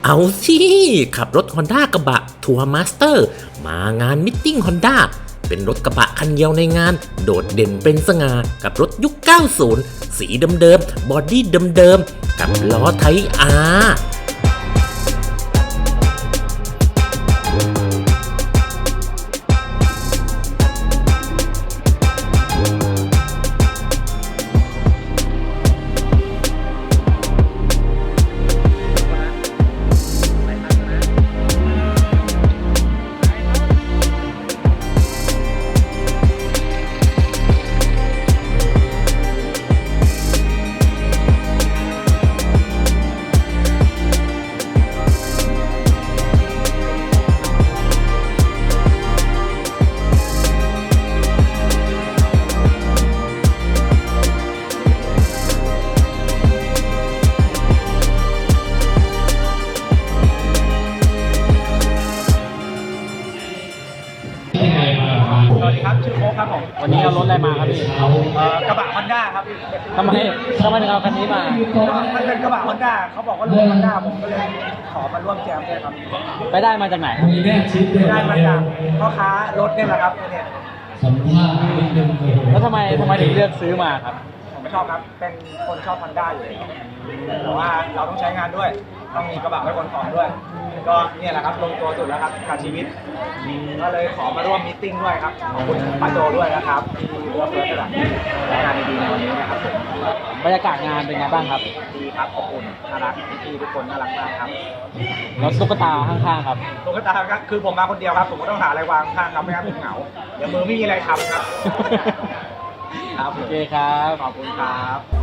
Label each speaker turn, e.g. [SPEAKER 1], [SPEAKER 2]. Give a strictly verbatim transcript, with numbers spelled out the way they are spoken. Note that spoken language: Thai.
[SPEAKER 1] เอาสิขับรถ Honda กระบะทัวร์มาสเตอร์มางานมิทติ้ง Honda เป็นรถกระบะคันเดียวในงานโดดเด่นเป็นสง่ากับรถยุค เก้าสิบ สีเดิมๆบอดี้เดิมๆกับล้อไทป์ อาร์
[SPEAKER 2] สวัสดีครับชื่อโค้กครับผม
[SPEAKER 3] วันนี้เอารถอะไรมาครับพี่
[SPEAKER 2] เอ่อกระบะฮอนด้าครับ
[SPEAKER 3] ทำไมทำไมถึงเอาคันนี้มา
[SPEAKER 2] มันเป็นกระบะฮอนด้าเขาบอกว่ารุ่นฮอนด้าผมก็เลยขอมาร่วมแจมด้วยครับ
[SPEAKER 3] ไปได้มาจากไหนครับ
[SPEAKER 2] ได้มาจากพ่อค้ารถเนี่ยแหละครับเนี่ย
[SPEAKER 4] สัมภาษณ์นิดนึง
[SPEAKER 3] แล้วทำไมทำไมถึงเลือกซื้อมาครับ
[SPEAKER 2] ผมไม่ชอบครับเป็นคนชอบฮอนด้าอยู่แล้วแต่ว่าเราต้องใช้งานด้วยต้องมีกระบะไว้ขนของด้วย ก็เนี่ยแหละครับลงตัวสุดแล้วครับกับชีวิตก็เลยขอมาร่วมมีตติ้งด้วยครับขอบคุณป้าโจด้วยนะครับที่เลือกเพื่อนกระดาษและงานดีๆในวันนี้นะครับผม
[SPEAKER 3] บรรยากาศงานเป็นไงบ้างครับ
[SPEAKER 2] ดีครับขอบคุณน่ารักพี่ๆทุกคนน่ารักมากครับ
[SPEAKER 3] แล้วตุ๊กตาข้างๆครับ
[SPEAKER 2] ตุ๊กตาครับคือผมมาคนเดียวครับผมก็ต้องหาอะไรวางข้างครับไม่งั้นผมเหงาเดี๋ยวมือไม่มีอะไรทำครับครับผม
[SPEAKER 3] โอเคครับ
[SPEAKER 2] ขอบคุณครับ